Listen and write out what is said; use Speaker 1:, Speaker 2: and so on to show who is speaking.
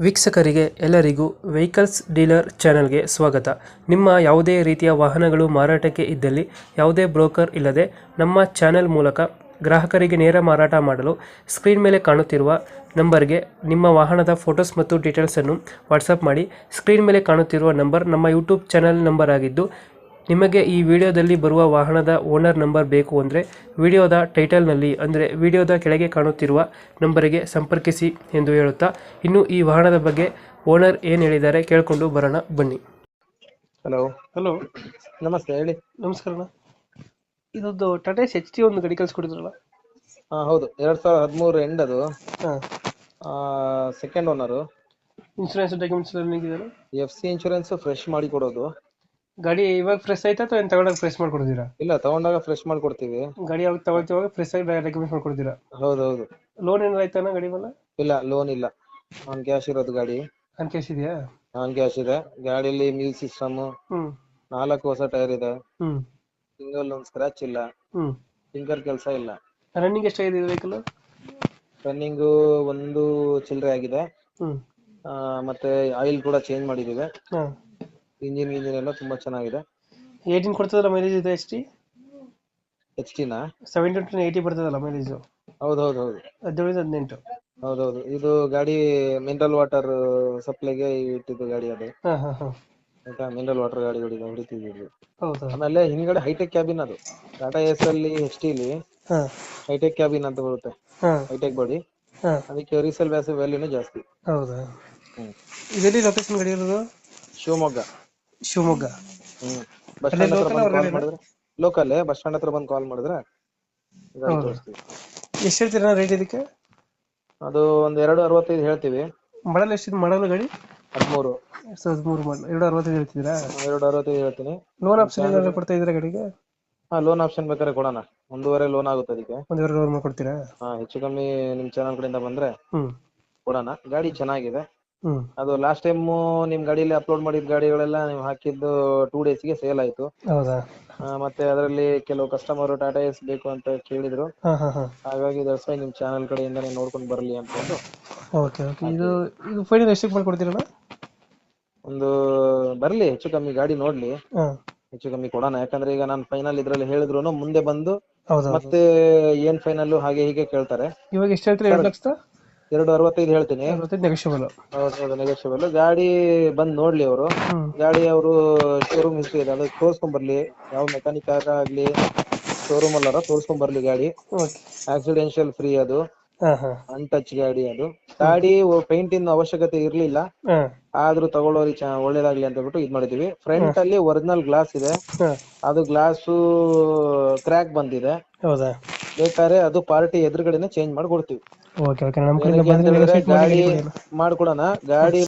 Speaker 1: ವೀಕ್ಷಕರಿಗೆ ಎಲ್ಲರಿಗೂ vehicles dealer ಚಾನೆಲ್ಗೆ ಸ್ವಾಗತ. ನಿಮ್ಮ ಯಾವುದೇ ರೀತಿಯ ವಾಹನಗಳು ಮಾರಾಟಕ್ಕೆ ಇದ್ದಲ್ಲಿ ಯಾವುದೇ ಬ್ರೋಕರ್ ಇಲ್ಲದೆ ನಮ್ಮ ಚಾನೆಲ್ ಮೂಲಕ ಗ್ರಾಹಕರಿಗೆ ನೇರ ಮಾರಾಟ ಮಾಡಲು ಸ್ಕ್ರೀನ್ ಮೇಲೆ ಕಾಣುತ್ತಿರುವ ನಂಬರ್ಗೆ ನಿಮ್ಮ ವಾಹನದ ಫೋಟೋಸ್ ಮತ್ತು ಡೀಟೇಲ್ಸನ್ನು ವಾಟ್ಸಪ್ ಮಾಡಿ. ಸ್ಕ್ರೀನ್ ಮೇಲೆ ಕಾಣುತ್ತಿರುವ ನಂಬರ್ ನಮ್ಮ ಯೂಟ್ಯೂಬ್ ಚಾನೆಲ್ ನಂಬರ್ ಆಗಿದ್ದು, ನಿಮಗೆ ಈ ವಿಡಿಯೋದಲ್ಲಿ ಬರುವ ವಾಹನದ ಓನರ್ ನಂಬರ್ ಬೇಕು ಅಂದರೆ ವಿಡಿಯೋದ ಟೈಟಲ್ನಲ್ಲಿ ಅಂದರೆ ವಿಡಿಯೋದ ಕೆಳಗೆ ಕಾಣುತ್ತಿರುವ ನಂಬರಿಗೆ ಸಂಪರ್ಕಿಸಿ ಎಂದು ಹೇಳುತ್ತಾ, ಇನ್ನು ಈ ವಾಹನದ ಬಗ್ಗೆ ಓನರ್ ಏನು ಹೇಳಿದ್ದಾರೆ ಕೇಳಿಕೊಂಡು ಬರೋಣ ಬನ್ನಿ.
Speaker 2: ಹಲೋ
Speaker 1: ಹಲೋ,
Speaker 2: ನಮಸ್ತೆ, ಹೇಳಿ.
Speaker 1: ನಮಸ್ಕಾರ. ಇದೊಂದು ಟಾಟಾ HT ಒಂದು ಗಾಡಿ ಕಳಿಸ್ಕೊಡಿದ್ರಲ್ಲ?
Speaker 2: ಹಾ ಹೌದು, 2013 ಎಂಡ್ ಅದು.
Speaker 1: ಹಾಂ,
Speaker 2: ಸೆಕೆಂಡ್ ಓನರು.
Speaker 1: ಇನ್ಶೂರೆನ್ಸ್ ಡಾಕ್ಯುಮೆಂಟ್ಸ್ ಎಲ್ಲ ಇದೆಯಲ್ಲ?
Speaker 2: FC ಇನ್ಶೂರೆನ್ಸ್ ಫ್ರೆಶ್ ಮಾಡಿ ಕೊಡೋದು.
Speaker 1: ಗಾಡಿ ಇವಾಗ ಫ್ರೆಶ್ ಆಯ್ತಾ ಅಥವಾ ಏನು ತಗೊಂಡಾಗ ಫ್ರೆಶ್ ಮಾಡ್ಕೊಡ್ತೀರಾ?
Speaker 2: ಇಲ್ಲ, ತಗೊಂಡಾಗ ಫ್ರೆಶ್ ಮಾಡ್ಕೊಡ್ತೀವಿ.
Speaker 1: ಗಾಡಿ ಯಾವಾಗ ತಗೊಳ್ತೀವಾಗ ಫ್ರೆಶ್ ಆಗಿ ಡಾಕ್ಯುಮೆಂಟ್ಸ್ ಮಾಡ್ಕೊಡ್ತೀರಾ?
Speaker 2: ಹೌದೌದು.
Speaker 1: ಲೋನ್ ಏನಾರು ಆಯ್ತಾನ ಗಾಡಿ ಮೇಲೆ?
Speaker 2: ಇಲ್ಲ, ಲೋನ್ ಇಲ್ಲ, ಆನ್ ಕ್ಯಾಶ್ ಇರೋದು ಗಾಡಿ.
Speaker 1: ಆನ್ ಕ್ಯಾಶ್ ಇದೆಯಾ?
Speaker 2: ಆನ್ ಕ್ಯಾಶ್ ಇದೆ. ಗಾಡಿಯಲ್ಲಿ ಮ್ಯೂಸಿಕ್ ಸಿಸ್ಟಮ್,
Speaker 1: ಹ್ಮ್
Speaker 2: 4 ಹೊಸ ಟೈರ್ ಇದೆ.
Speaker 1: ಹ್ಮ್
Speaker 2: ಸಿಂಗಲ್ ಒಂದು ಸ್ಕ್ರಾಚ್ ಇಲ್ಲ,
Speaker 1: ಹ್ಮ್
Speaker 2: ಫಿಂಗರ್ ಕೆಲಸ ಇಲ್ಲ.
Speaker 1: ರನ್ನಿಂಗ್ ಎಷ್ಟಾಗಿದೆ ಇದು ವೆಹಿಕಲ್?
Speaker 2: ರನ್ನಿಂಗು ಒಂದು ಚಿಲ್ಲರೆ ಆಗಿದೆ.
Speaker 1: ಹ್ಮ್
Speaker 2: ಮತ್ತೆ ಆಯಿಲ್ ಕೂಡ ಚೇಂಜ್ ಮಾಡಿದ್ದೀವಿ.
Speaker 1: ಹಾಂ,
Speaker 2: ಇಂಜಿನ್ ಎಲ್ಲ ತುಂಬಾ ಚೆನ್ನಾಗಿದೆ.
Speaker 1: 18 ಕೊಡ್ತದಲ್ಲ ಮೈಲೇಜ್ ಇದು HT?
Speaker 2: HT-ನಾ?
Speaker 1: 70 to 80 ಬರ್ತದಲ್ಲ ಮೈಲೇಜು?
Speaker 2: ಹೌದೌದು.
Speaker 1: 17-18.
Speaker 2: ಹೌದೌದು, ಇದು ಗಾಡಿ ಮಿನರಲ್ ವಾಟರ್ ಸಪ್ಲೈಗೆ ಇಟ್ಟಿದ್ದು ಗಾಡಿ ಅದು.
Speaker 1: ಹಾಂ ಹಾಂ ಹಾಂ,
Speaker 2: ಆಯ್ತಾ, ಮಿನರಲ್ ವಾಟರ್ ಗಾಡಿ ಹೊಡಿತಿದ್ವಿ.
Speaker 1: ಹೌದಾ?
Speaker 2: ಆಮೇಲೆ ಹಿಂದ್ಗಡೆ ಹೈಟೆಕ್ ಕ್ಯಾಬಿನ್ ಅದು. ಟಾಟಾ ಎಸ್ ಅಲ್ಲಿ HT-ಲಿ
Speaker 1: ಹಾಂ
Speaker 2: ಹೈಟೆಕ್ ಕ್ಯಾಬಿನ್ ಅಂತ ಬರುತ್ತೆ,
Speaker 1: ಹಾಂ
Speaker 2: ಹೈಟೆಕ್ ಬಾಡಿ.
Speaker 1: ಹಾಂ,
Speaker 2: ಅದಕ್ಕೆ ರೀಸೇಲ್ ವ್ಯಾಲ್ಯೂನೇ ಜಾಸ್ತಿ.
Speaker 1: ಹೌದಾ? ಇದೆಲ್ಲಿ ಲೊಕೇಶನ್ ಗಾಡಿ ಇರೋದು?
Speaker 2: ಶಿವಮೊಗ್ಗ.
Speaker 1: ಶಿವಮೊಗ್ಗ.
Speaker 2: ಬಸ್ ಸ್ಟ್ಯಾಂಡ್ ಹತ್ರ ಬಂದು ಕಾಲ್ ಮಾಡಿದ್ರೆ, ಲೋಕಲ್ ಬಸ್ ಸ್ಟ್ಯಾಂಡ್ ಹತ್ರ ಬಂದು ಕಾಲ್ ಮಾಡಿದ್ರೆ ಗಾಡಿ
Speaker 1: ಹೌದು.
Speaker 2: ತೋರಿಸ್ತೀವಿ.
Speaker 1: ಎಷ್ಟು ಹೇಳ್ತೀರಾ ರೇಟ್ ಇದಕ್ಕೆ?
Speaker 2: ಅದು ಒಂದು 265 ಹೇಳ್ತೀವಿ.
Speaker 1: ಮಾಡಲ್ ಎಷ್ಟಿದೆ? ಮಾಡಲ್ ಗಾಡಿ
Speaker 2: 13.
Speaker 1: 2013 ಮಾಡಲ್, 265 ಹೇಳ್ತಿದ್ದೀರಾ?
Speaker 2: 265 ಹೇಳ್ತೀನಿ.
Speaker 1: ಲೋನ್ ಆಪ್ಷನ್ ಏನಾದ್ರು ಕೊಡ್ತಾ ಇದ್ದೀರಾ ಗಾಡಿಗೆ?
Speaker 2: ಲೋನ್ ಆಪ್ಷನ್ ಬೇಕಾದ್ರೆ ಕೊಡೋಣ. 1.5 ಲೋನ್ ಆಗುತ್ತೆ ಅದಕ್ಕೆ.
Speaker 1: 1.5 ಲೋನ್ ಮಾಡ್ಕೊಡ್ತೀರಾ?
Speaker 2: ಹೆಚ್ಚು ಕಮ್ಮಿ ನಿಮ್ ಚಾನಲ್ ಕಡೆಯಿಂದ ಬಂದ್ರೆ
Speaker 1: ಹ್ಮ್
Speaker 2: ಕೊಡೋಣ. ಗಾಡಿ ಚೆನ್ನಾಗಿದೆ.
Speaker 1: ಹ್ಮ್
Speaker 2: ಅದು ಲಾಸ್ಟ್ ಟೈಮ್ ನಿಮ್ ಗಾಡಿಯಲ್ಲಿ ಅಪ್ಲೋಡ್ ಮಾಡಿದ ಗಾಡಿಗಳೆಲ್ಲ ನೀವು ಹಾಕಿದ್ದು 2 ಡೇಸ್ಗೆ ಸೇಲ್ ಆಯ್ತು.
Speaker 1: ಹೌದಾ?
Speaker 2: ಮತ್ತೆ ಅದರಲ್ಲಿ ಕೆಲವು ಕಸ್ಟಮರ್ ಟಾಟಾ ಎಸ್ ಬೇಕು ಅಂತ ಕೇಳಿದ್ರು.
Speaker 1: ಹಾಂ ಹಾಂ ಹಾಂ,
Speaker 2: ಹಾಗಾಗಿ ದರ್ಶನ ನಿಮ್ ಚಾನಲ್ ಕಡೆಯಿಂದಾನೇ ನೋಡ್ಕೊಂಡು ಬರಲಿ ಅನ್ಕೊಂಡು.
Speaker 1: Okay okay. ಇದು ಫೈನಲ್ ಎಷ್ಟಕ್ಕೆ ಮಾಡ್ಕೊಡ್ತೀರಣ್ಣ?
Speaker 2: ಒಂದು ಬರ್ಲಿ, ಹೆಚ್ಚು ಕಮ್ಮಿ ಗಾಡಿ ನೋಡ್ಲಿ,
Speaker 1: ಹಾಂ,
Speaker 2: ಹೆಚ್ಚು ಕಮ್ಮಿ ಕೊಡೋಣ. ಯಾಕಂದ್ರೆ ಈಗ ನಾನು ಫೈನಲ್ ಇದ್ರಲ್ಲಿ ಹೇಳಿದ್ರು ಮುಂದೆ ಬಂದು
Speaker 1: ಹೌದಾ?
Speaker 2: ಮತ್ತೆ ಏನ್ ಫೈನಲ್ ಹಾಗೆ ಹೀಗೆ ಕೇಳ್ತಾರೆ.
Speaker 1: ಇವಾಗ ಎಷ್ಟು ಹೇಳ್ತೀರಾ?
Speaker 2: 265 ಹೇಳ್ತೀನಿ.
Speaker 1: 265 ನೆಗೋಷಿಯಬಲ್?
Speaker 2: ಹೌದು, ನೆಗೋಷಿಯಬಲ್. ಗಾಡಿ ಬಂದ್ ನೋಡ್ಲಿ ಅವರು.
Speaker 1: ಹ್ಮ್
Speaker 2: ಗಾಡಿ ಅವರು ಶೋರೂಮ್ ಹಿಸ್ಟ್ರಿ ಇದೆ, ಅದು ತೋರ್ಸ್ಕೊಂಡ್ ಬರ್ಲಿ. ಯಾವ ಮೆಕ್ಯಾನಿಕ್ ಆಗ್ಲಿ ಶೋರೂಮ್ ಅಲ್ಲಾರ ತೋರ್ಸ್ಕೊಂಡ್ ಬರ್ಲಿ ಗಾಡಿ.
Speaker 1: ಓಕೆ.
Speaker 2: ಆಕ್ಸಿಡೆನ್ಷಿಯಲ್ ಫ್ರೀ ಅದು,
Speaker 1: ಹಾಂ ಹಾಂ
Speaker 2: ಅನ್ಟಚ್ ಗಾಡಿ ಅದು. ಗಾಡಿ ಪೇಂಟ್ ಇನ್ ಅವಶ್ಯಕತೆ ಇರ್ಲಿಲ್ಲ,
Speaker 1: ಹಾಂ
Speaker 2: ಆದ್ರೂ ತಗೊಳ್ಳೋರಿಗೆ ಒಳ್ಳೇದಾಗ್ಲಿ ಅಂತ ಬಿಟ್ಟು ಇದ್ ಮಾಡಿದೀವಿ. ಫ್ರಂಟ್ ಅಲ್ಲಿ ಒರಿಜಿನಲ್ ಗ್ಲಾಸ್ ಇದೆ,
Speaker 1: ಹಾಂ,
Speaker 2: ಅದು ಗ್ಲಾಸು ಕ್ರ್ಯಾಕ್ ಬಂದಿದೆ.
Speaker 1: ಹೌದಾ?
Speaker 2: ಬೇಕಾದ್ರೆ ಅದು ಪಾರ್ಟಿ ಎದುರುಗಡೆನೆ ಚೇಂಜ್ ಮಾಡಿ ಕೊಡ್ತೀವಿ.
Speaker 1: ಓಕೆ ಓಕೆ, ನಮ್ಮ ಕಡೆಯಿಂದ ಬಂದರೆ
Speaker 2: ಗಾಡಿ ಮಾಡ್ಕೊಡೋಣ. ಗಾಡಿ